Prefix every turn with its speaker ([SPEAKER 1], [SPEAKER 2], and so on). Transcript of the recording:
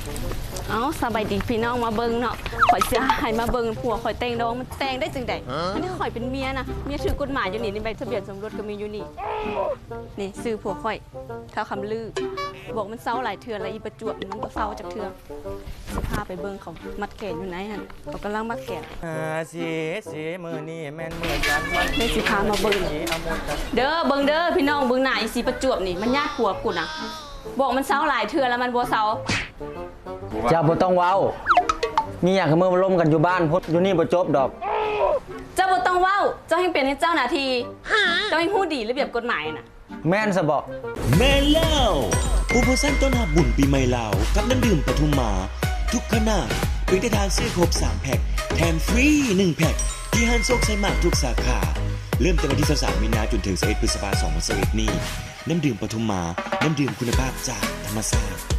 [SPEAKER 1] เอาสบายดีพี่น้องมาเบิ่งเนาะข่อยเสียหายมาเบิ่งผัวข่อยแต่งดองมันแต่งได้จังไดอันนี้ข่อยเป็นเมียนะเมียถือกฎหมายอยู่นี่ในใบทะเบียนสมรสก็มีอยู่นี่นี่ซื้อผัวข่อยเท่าคำลือบอกมันเศร้าหลายเทื่อแล้วอีประจวบมันบ่เศร้าจากเทื่อสิพาไปเบิ่งเขามัดแขนอยู่ไหนหั่นเขากำลังมัดแขน
[SPEAKER 2] สีมือนี่แม่นมือกันมัน
[SPEAKER 1] ได้สิพามาเบิ่งเด้อเบิ่งเด้อพี่น้องเบิ่งหน้าอีสีประจวบนี่มันญาติผัวกูนะบอกมันเศร้าหลายเทื่อแล้วมันบ่เศร้า
[SPEAKER 3] เจ้าบ่ต้องเว้ามีอยากให้มือมาล้มกันอยู่บ้านพุทธอยู่นี่บ่จบดอก
[SPEAKER 1] เจ้าบ่ต้องเว้าเจ้าให้เป็นให้เจ้าหน้าที่เจ้าให้ฮู้ดีระเบียบกฎหมายน่ะ
[SPEAKER 3] แม่นซะบ่
[SPEAKER 4] แม่นแล้วโปรโมชั่นต้อนรับบุญปีใหม่ลาวกับน้ำดื่มปทุมมาทุกขนาดเพียงแต่ทานซื้อครบ3แพ็คแถมฟรี1แพ็คที่ห้างโชคชัยมากทุกสาขาเริ่มแต่วันที่23มีนาจนถึง11พฤษภาคม2021นี้น้ำดื่มปทุมมาน้ำดื่มคุณภาพจากธรรมชาติ